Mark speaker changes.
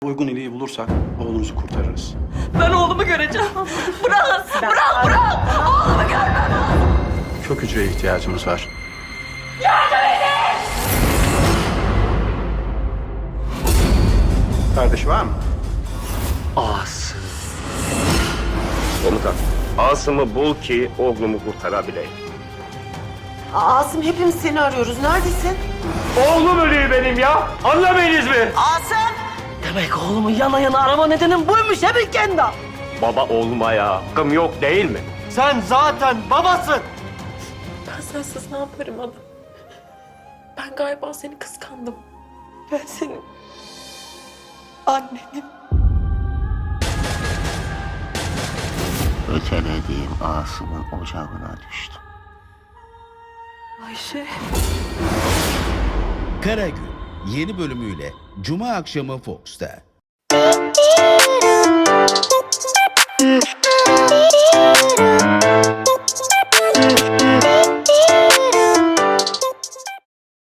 Speaker 1: Uygun iliği bulursak oğlunuzu kurtarırız.
Speaker 2: Ben oğlumu göreceğim. Bırak, bırak! Oğlumu görmem!
Speaker 1: Kök hücreye ihtiyacımız var. Kardeş var mı?
Speaker 3: Asım. Komutan, Asım'ı bul ki oğlumu kurtarabileyim.
Speaker 4: Asım hepimiz seni arıyoruz. Neredesin?
Speaker 3: Oğlum ölüyor benim ya. Anlamayınız mı?
Speaker 4: Asım!
Speaker 2: Demek oğlumu yana yana arama nedenin buymuş he Bilkenda.
Speaker 3: Baba oğluma ya. Hakkım yok değil mi?
Speaker 5: Sen zaten babasın.
Speaker 6: Ben sensiz ne yaparım adam? Ben galiba seni kıskandım. Ben senin annenim.
Speaker 7: Ötelediğim Asım'ın ocağına düştüm.
Speaker 2: Ayşe.
Speaker 8: Karagül yeni bölümüyle Cuma akşamı Fox'ta.